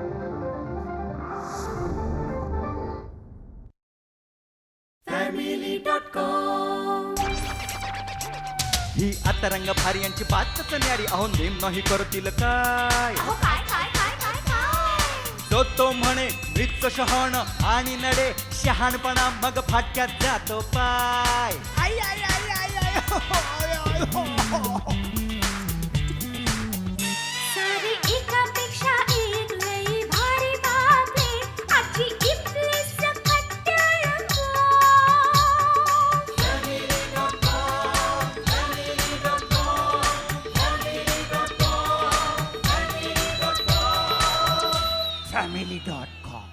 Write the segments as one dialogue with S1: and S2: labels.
S1: ही आता रंग भारी यांची बातच न्यारी अहो नेम नाही करतील काय तो म्हणे मृत शहाण आणि नडे शहाणपणा मग फाटक्यात जातो पाय आई आई आई आई आई हो, आय, आय, हो, हो.
S2: सारी एकापेक्षा एक लई भारी बातमी आजची इथली सकट रंगो.
S1: family.com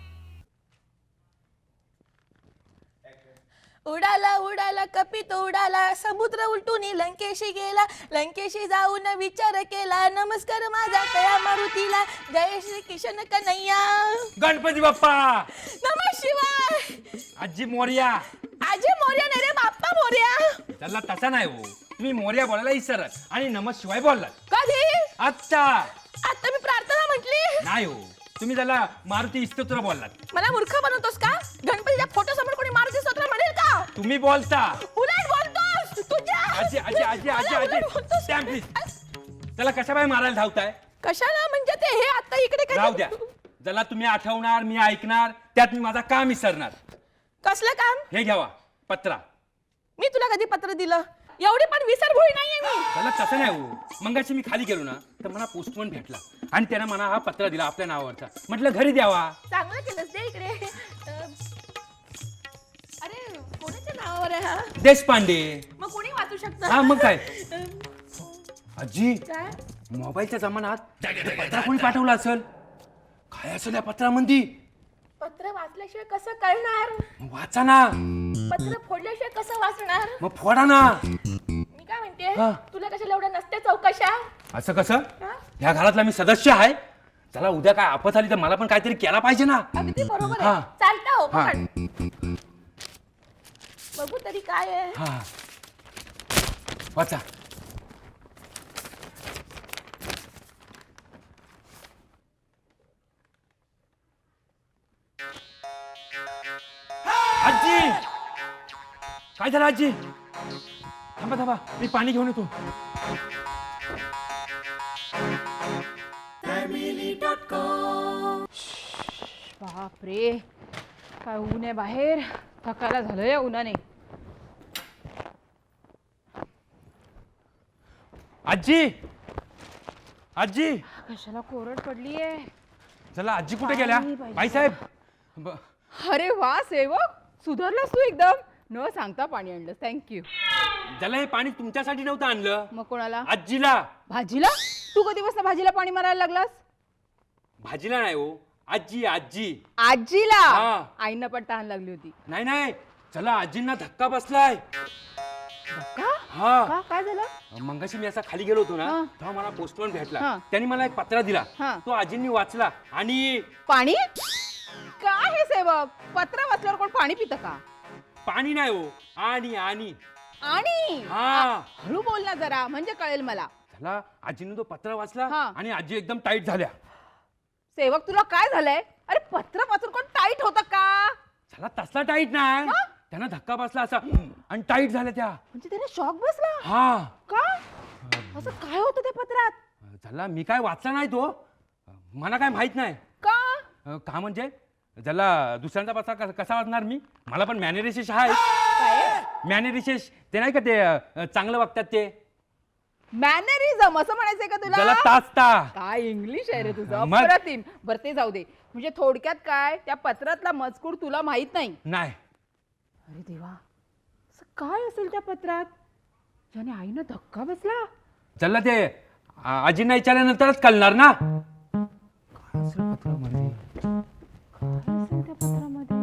S3: उडाला उडाला कपित उडाला समुद्र उलटून लंकेशी गेला लंकेशी जाऊन विचार केला नमस्कार माझा कया मारुतीला जय श्री कृष्ण कन्हैया
S4: गणपती बाप्पा
S3: नमः शिवाय
S4: आजी मोर्या.
S3: आजी मोर्या नाही रे बाप्पा मोर्या
S4: त्याला तसा नाही हो, तुम्ही मोर्या बोलायला विसरत आणि नमः शिवाय बोललात.
S3: कधी
S4: आता
S3: आता मी प्रार्थना म्हटली
S4: नाही हो, तुम्ही त्याला मारुती स्तोत्र बोललात.
S3: मला मूर्ख बनवतोस का गणपतीच्या फोटो समोर कोणी मारुती स्तोत्र म्हणेल का
S4: तुम्ही बोलता.
S3: उलट बोलतोस तुझ्या
S4: आजी आजी आजी आजी
S3: मला
S4: आजी
S3: उलट बोलतोस.
S4: Stamp please. त्याला कशा बाय मारायला धावताय?
S3: कशाला म्हणजे ते हे आता इकडे काय
S4: राहू द्या. ज्याला तुम्ही आठवणार मी ऐकणार त्यात मी माझा काम विसरणार.
S3: कसलं काम
S4: हे घ्यावा पत्रा.
S3: मी तुला कधी पत्र दिलं एवढी पण विसरभोळी नाहीये मी
S4: त्याला तसं नाही हो, मगाशी मी खाली गेलो ना तर मला पोस्टमन भेटला आणि त्याने मला हा पत्रा दिला आपल्या नावावरचा. म्हटलं घरी द्यावा.
S3: चांगलं केलंस दे इकडे अरे कोणाच्या नावावर आहे हा
S4: देशपांडे.
S3: मग कोणी वाचू शकतं
S4: हा मग काय. आजी
S3: काय
S4: मोबाईलच्या जमान्यात पत्र कोणी पाठवलं असेल? काय असेल या पत्रामध्ये?
S3: पत्र वाचल्याशिवाय कसं कळणार
S4: वाचा ना.
S3: पत्र फोडल्याशिवाय कसं वाचणार
S4: मग फोडा ना.
S3: मी काय म्हणते
S4: हा.
S3: तुला कशाला एवढ्या नसते चौकशा
S4: असं कसं?
S3: हा?
S4: ह्या घरातला मी सदस्य आहे. चला उद्या काय आपत आली तर मला पण काहीतरी केला पाहिजे ना.
S3: अगदी बरोबर
S4: हा.
S3: आहे चालतं हो
S4: हा.
S3: पकड. बघू तरी काय आहे
S4: हा वाचा. आजी काय झालं आजी? थांबा थांबा मी पाणी घेऊन येतो.
S5: बापरे काय ऊन आहे बाहेर थकायला झालं या उन्हाने.
S4: आजी आजी
S5: कशाला कोरड पडलीये.
S4: चला आजी कुठे गेल्या?
S5: पाणी पाहिजे.
S4: बाईसाहेब
S5: अरे वा सेवक सुधारलास तू एकदम. न सांगता पाणी आणलं थँक्यू.
S4: ज्याला हे पाणी तुमच्यासाठी नव्हतं आणलं
S5: मग कोणाला?
S4: आजीला.
S5: भाजीला? तू कधीपासून भाजीला पाणी मारायला लागलास?
S4: भाजीला नाही हो, आजी आजी.
S5: आजीला
S4: हा.
S5: आईनं पण तहान लागली होती.
S4: नाही नाही चला आजींना धक्का बसलाय.
S5: का?
S4: हा
S5: का काय झालं?
S4: मंगाशी मी असा खाली गेलो होतो ना
S5: हा.
S4: तेव्हा मला पोस्टमन भेटला.
S5: हा.
S4: त्यांनी मला एक पत्रा दिला.
S5: हा.
S4: तो आजींनी वाचला आणि
S5: पाणी? काय हे सेवक पत्र वाचल्यावर कोण पाणी पितं का?
S4: पाणी नाही हो, आणि आणि
S5: आणि
S4: हा.
S5: हळू बोल ना जरा म्हणजे कळेल मला.
S4: चला आजीने तो पत्र वाचला
S5: हा.
S4: आणि आजी एकदम टाईट झाल्या.
S5: सेवक तुला काय झालंय? अरे पत्र वाचून कोण टाईट होतं का?
S4: चला तसला टाईट नाही,
S5: हा?
S4: त्यांना धक्का बसला असा आणि टाईट झाल्या त्या.
S5: म्हणजे त्याने शॉक बसला
S4: हा
S5: का? असं काय होतं त्या पत्रात?
S4: चला मी काय वाचला नाही तो, मला काय माहित नाही.
S5: का?
S4: का म्हणजे ज्याला दुसऱ्यांचा पत्रा कसा वाचणार मी? मला पण मॅनेरिशेष आहे.
S5: काय?
S4: मॅनेरिशेष ते नाही का ते चांगलं वागतात ते.
S5: मॅनरिझम असं म्हणायचंय का
S4: ज्याला
S5: तुला?
S4: ताचता.
S5: काय इंग्लिश आहे रे तुझं
S4: मग?
S5: अप्रतिम. बरं ते जाऊ दे. म्हणजे थोडक्यात काय त्या पत्रातला मजकूर तुला माहित नाही?
S4: नाही.
S5: अरे देवा असं काय असेल त्या पत्रात ज्याने आईनं धक्का बसला?
S4: चला ते आजींना विचारल्यानंतरच कळणार ना. काय असेल पत्रामध्ये?
S5: काय असेल त्या पत्रामध्ये?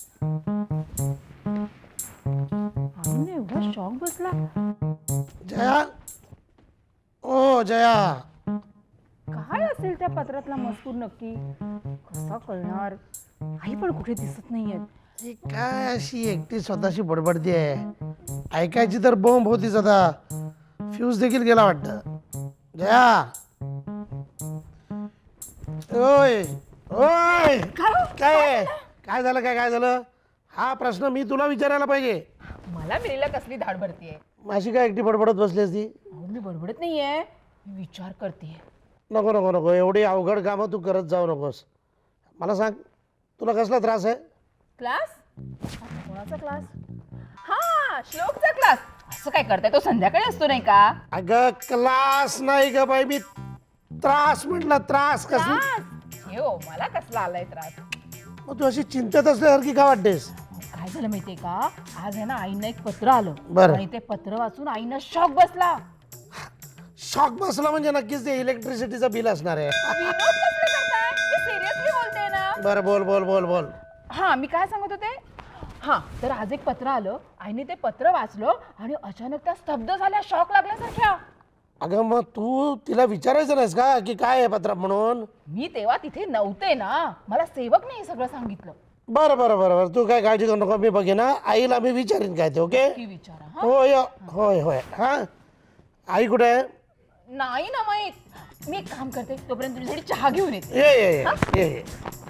S5: आईने एवढा शॉक बसला.
S6: जया, ओ जया,
S5: काय असेल त्या पत्रातला मजकूर नक्की? कसा कळणार? आई पण कुठे दिसत नाहीयेत.
S6: ही काय अशी एकटी स्वतःशी बडबडती आहे? ऐकायची तर बॉम्ब होतीच, आता फ्यूज देखील गेला वाटतं. जया, ओय ओय काय झालं काय झालं? हा प्रश्न मी तुला विचारायला पाहिजे.
S5: मला मिरीला कसली धाड भरतीये?
S6: माझी काय एकटी बडबडत बसली असती?
S5: अहो मी बडबडत नाहीये, मी विचार करतेय.
S6: नको नको नको, एवढी अवघड कामं तू करत जाऊ नकोस. मला सांग, तुला कसला त्रास आहे?
S5: क्लास? कोणाचा क्लास? हा, श्लोकचा क्लास. असं काय करताय, तो संध्याकाळी असतो नाही का?
S6: अगं क्लास नाही ग बाई, मी त्रास म्हटलं. त्रास कसला?
S5: क्लास? हे हो, मला कसला आलाय त्रास?
S6: मग तू अशी चिंतेत असल्यासारखी का वाटतेस?
S5: काय झालं माहितीये का, आज आहे ना आईनं एक पत्र आलं
S6: बरं.
S5: आणि ते पत्र वाचून आईनं शॉक बसला.
S6: शॉक बसला म्हणजे नक्कीच ते इलेक्ट्रिसिटीचं बिल असणार आहे.
S5: विनोद कसले करताय? मी सिरियसली बोलते ना.
S6: बरं बोल बोल बोल बोल.
S5: हा, मी काय सांगत होते? हा, तर आज एक पत्र आलं, आईने ते पत्र वाचलं आणि अचानक त्या स्तब्ध झाल्या, शॉक लागल्यासारख्या.
S6: अगं मग तू तिला विचारायचं नाहीस का की काय आहे पत्रात म्हणून?
S5: मी तेव्हा तिथे नव्हते ना, मला सेवकने हे सगळं सांगितलं.
S6: बरं बरं बरं बरं, तू काय काळजी करू नको, मी बघे ना, आईला मी विचारीन काय ते. ओके?
S5: की विचारा. हा,
S6: होय होय होय. हा, आई कुठे आहे?
S5: नाही ना माहित. मी एक काम करते, तोपर्यंत तुझ्यासाठी चहा घेऊन येते.
S6: ये.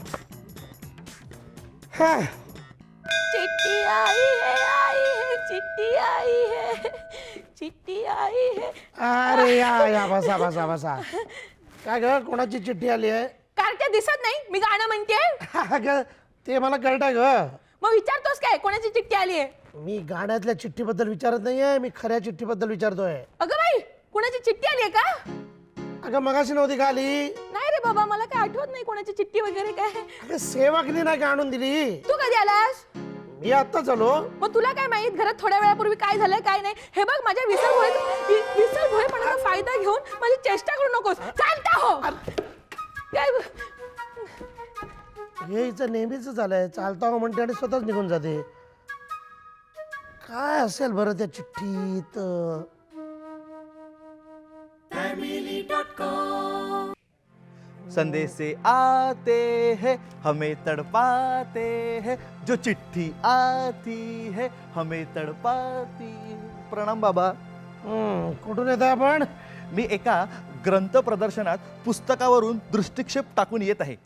S6: हा,
S3: चिट्टी आई है चिट्टी आई है चिट्टी आई है.
S6: अरे या बसा बसा बसा. काय ग, कोणाची चिठ्ठी आली आहे?
S3: कार्ट्या दिसत नाही, मी गाणं म्हणते.
S6: अगं ते मला कळतंय ग.
S3: मग विचारतोस काय कोणाची चिठ्ठी आली आहे?
S6: मी गाण्यातल्या चिठ्ठीबद्दल विचारत नाहीये, मी खऱ्या चिठ्ठीबद्दल विचारतोय.
S3: अगं बाई, कोणाची चिठ्ठी आली आहे का?
S6: अगं मगाशी नव्हती का आली?
S3: नाही रे बाबा, मला काय आठवत नाही कोणाची चिठ्ठी वगैरे काय.
S6: अगं सेवकनी नाही का आणून दिली?
S3: तू कधी आलास?
S6: मी आत्ताच आलो.
S3: मग तुला काय माहित घरात थोड्या वेळापूर्वी काय झालंय काय नाही? हे बघ, माझ्या विसरभोळेपणाचा फायदा घेऊन माझी चेष्टा करू नकोस. चालता हो. काय
S6: हे हिचं नेहमीच झालंय, चालता हो म्हणते आणि स्वतःच निघून जाते. काय असेल बरं त्या चिठ्ठीत?
S1: संदेश से आते हैं हमें तड़पाते हैं, जो चिट्ठी आती है हमें तड़पाती है. प्रणाम बाबा.
S6: कुठून येत आपण?
S1: मी एका ग्रंथ प्रदर्शनात पुस्तकावरून दृष्टिक्षेप टाकून येत आहे,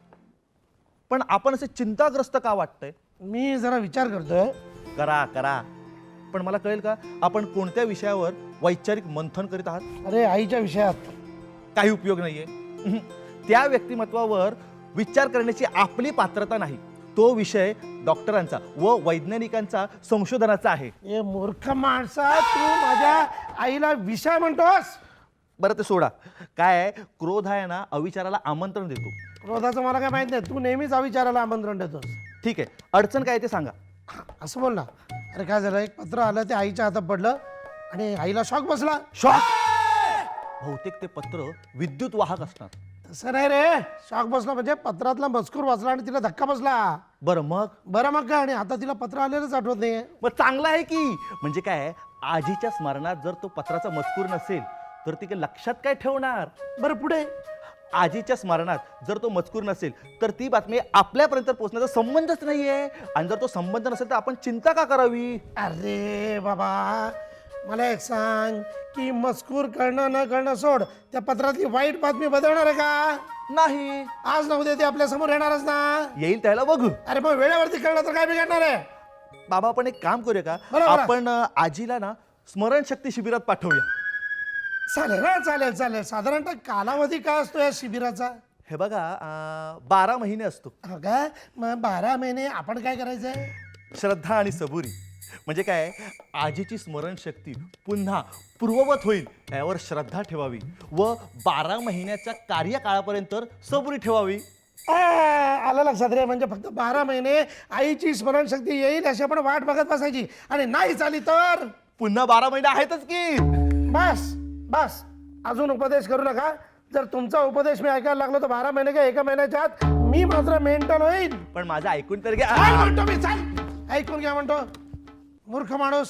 S1: पण आपण असे चिंताग्रस्त का वाटतंय?
S6: मी जरा विचार करतोय.
S1: करा करा, पण मला कळेल का आपण कोणत्या विषयावर वैचारिक मंथन करीत आहात?
S6: अरे आईच्या विषयात.
S1: काही उपयोग नाहीये. त्या व्यक्तिमत्वावर विचार करण्याची आपली पात्रता नाही. तो विषय डॉक्टरांचा व वैज्ञानिकांचा संशोधनाचा आहे.
S6: हे मूर्ख माणसा, तू माझ्या आईला विषय म्हणतोस?
S1: बरं ते सोडा. काय आहे, क्रोध आहे ना अविचाराला आमंत्रण देतो.
S6: क्रोधाचं मला काय माहित नाही, तू नेहमीच अविचाराला आमंत्रण देतोस.
S1: ठीक आहे, अडचण काय ते सांगा.
S6: असं बोल ना. अरे काय झालं, एक पत्र आलं, ते आईच्या हातात पडलं आणि आईला शॉक बसला.
S1: शॉक? बहुतेक ते पत्र विद्युत वाहक असणार.
S6: तसं नाही रे, शॉक बसला म्हणजे पत्रातला मजकूर वाचला आणि तिला धक्का बसला.
S1: बरं मग?
S6: बरं मग काय, आणि आता तिला पत्र आलेलंच आठवत नाहीये.
S1: मग चांगलं आहे की. म्हणजे काय, आजीच्या स्मरणात जर तो पत्राचा मजकूर नसेल तर ती काय लक्षात काय ठेवणार?
S6: बरं पुढे?
S1: आजीच्या स्मरणात जर तो मजकूर नसेल तर ती बातमी आपल्यापर्यंत पोहोचण्याचा संबंधच नाहीये, आणि जर तो संबंध नसेल तर आपण चिंता का करावी?
S6: अरे बाबा, मला एक सांग की मजकूर कळणं न कळणं सोड, त्या पत्रातली वाईट बातमी बदलणार आहे का?
S1: नाही.
S6: आज ना उद्या ते आपल्या समोर येणारच ना.
S1: येईल त्याला बघू.
S6: अरे मग वेळेवरती कळलं तर काय बिघडणार आहे?
S1: बाबा आपण एक काम करूया का,
S6: बरोबर.
S1: आपण आजीला ना स्मरणशक्ती शिबिरात पाठवूया.
S6: चालेल ना, चालेल चालेल. साधारणतः कालावधी काय असतो या शिबिराचा?
S1: हे बघा, 12 महिने असतो.
S6: हो का? मग 12 महिने आपण काय करायचंय?
S1: श्रद्धा आणि सबुरी. म्हणजे काय, आजीची स्मरणशक्ती पुन्हा पूर्ववत होईल यावर श्रद्धा ठेवावी व 12 महिन्याच्या कार्यकाळापर्यंत सबुरी ठेवावी.
S6: आलं लक्षात रे. म्हणजे फक्त 12 महिने आईची स्मरणशक्ती येईल अशी आपण वाट बघत बसायची, आणि नाही झाली तर
S1: पुन्हा 12 महिने आहेतच की.
S6: बस बस, अजून उपदेश करू नका. जर तुमचा उपदेश मी ऐकायला लागलो तर 12 महिने काय 1 महिन्याच्या आत मी मात्र मेंटल होईल.
S1: पण माझं ऐकून तर
S6: काय
S1: घ्या.
S6: म्हणतो मी? चाल ऐकून घ्या म्हणतो. मूर्ख माणूस.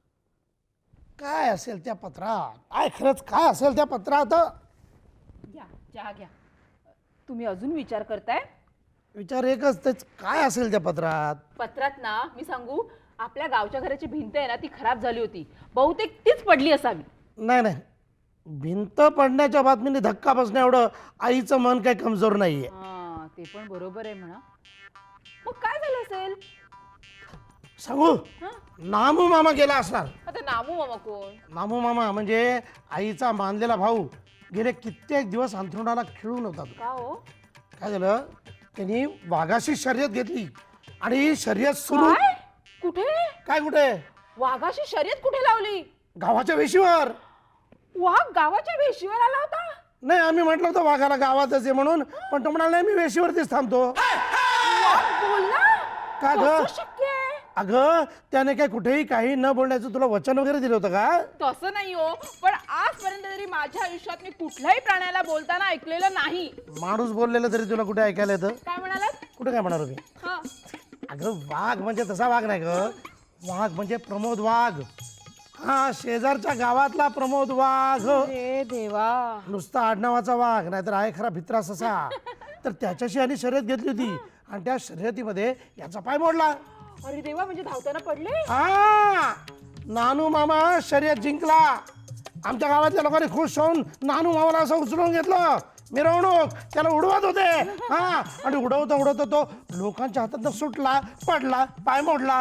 S6: काय असेल त्या पत्रात? काय खरंच काय असेल त्या पत्रात?
S5: घ्या चहा घ्या. तुम्ही अजून विचार करताय?
S6: विचार एकच, तेच काय असेल त्या पत्रात?
S5: पत्रात ना, मी सांगू, आपल्या गावच्या घराची भिंत आहे ना, ती खराब झाली होती. बहुतेक तीच पडली असावी.
S6: नाही नाही, भिंत पडण्याच्या बातमीने धक्का बसण्या एवढं आईचं मन काही कमजोर नाहीये.
S5: हा ते पण बरोबर आहे म्हणा. मग काय झालं असेल?
S6: सांगू, नामू मामा गेला असणार.
S5: आता नामू मामा कोण?
S6: नामू मामा म्हणजे आईचा मानलेला भाऊ. गेले कित्येक दिवस अंथरुणाला खिळून होता तो.
S5: का हो?
S6: काय झालं, त्यांनी वाघाशी शर्यत घेतली आणि शर्यत सुरू.
S5: काय? कुठे?
S6: काय कुठे?
S5: वाघाशी शर्यत कुठे लावली?
S6: गावाच्या वेशीवर.
S5: वाघ गावाच्या वेशीवर आला होता?
S6: नाही, आम्ही म्हटलं होतं वाघाला गावातच आहे म्हणून, पण तो म्हणाला नाही मी वेशीवरतीच थांबतो.
S5: बोलला?
S6: का ग?
S5: कसं शक्य आहे?
S6: अगं त्याने काय कुठेही काही न बोलण्याचं तुला वचन वगैरे दिलं होतं का?
S5: तसं नाही हो, पण आजपर्यंत तरी माझ्या आयुष्यात मी कुठल्याही प्राण्याला बोलताना ऐकलेलं नाही.
S6: माणूस बोललेलं तरी तुला कुठे ऐकायला येतं?
S5: काय म्हणालात?
S6: कुठे काय म्हणालो मी?
S5: हा.
S6: अगं वाघ म्हणजे तसा वाघ नाही ग. वाघ म्हणजे प्रमोद वाघ. हा, शेजारच्या गावातला प्रमोद वाघ.
S5: अरे देवा.
S6: नुसता आडनावाचा वाघ, नाहीतर आहे खरा भित्रा ससा. तर त्याच्याशी आणि शर्यत घेतली होती आणि त्या शर्यतीमध्ये याचा पाय मोडला.
S5: अरे देवा, म्हणजे धावताना पडले?
S6: हा, नानू मामा शर्यत जिंकला. आमच्या गावातल्या लोकांनी खुश होऊन नानू मामाला असं उचलून घेतलं. मिरवणूक त्याला उडवत होते. हा, आणि उडवता उडवता तो लोकांच्या हातात सुटला, पडला, पाय मोडला.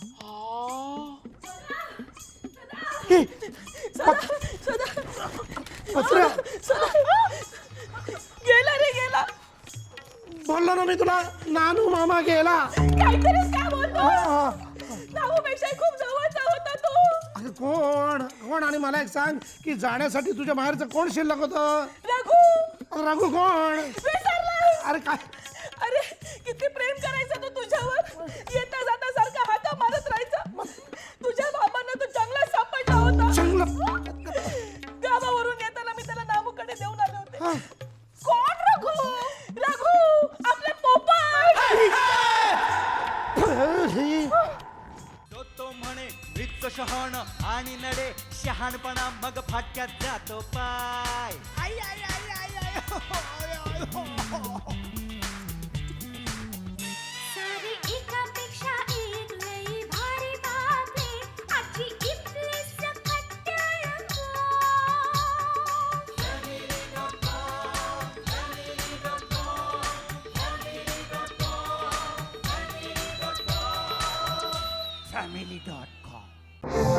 S6: हे, पत्र
S3: गेला रे गेला.
S6: बोललो ना मी तुला, नानू मामा गेला.
S3: काहीतरीच काय बोलतो.
S6: हा.
S3: नामूपेक्षा खूप जवळचा होता तो.
S6: अगं कोण कोण? आणि मला एक सांग की जाण्यासाठी तुझ्या बाहेरचं कोण शिल्लक होतं?
S3: रघु.
S6: रघु कोण?
S3: विसरलास?
S6: अरे काय?
S3: अरे किती प्रेम करायचा तो तुझ्यावर. येता जाता सारखा हाका मारत राहायचा. तुझ्या मामांना तो जंगलात सापडला होता. गावावरून येताना मी त्याला नामूकडे देऊन आले होते. कोण रघु? रघु आपले पोपट.
S7: तो म्हणे वृत्त शहाण आणि नडे शहाणपणा मग फाटक्यात जातो पाय. आई आई आई आई आई हो, आय, आय, हो, हो.
S2: सारी एकापेक्षा एक लई भारी बातमी आजची इथली सकट रंगो.
S7: family.com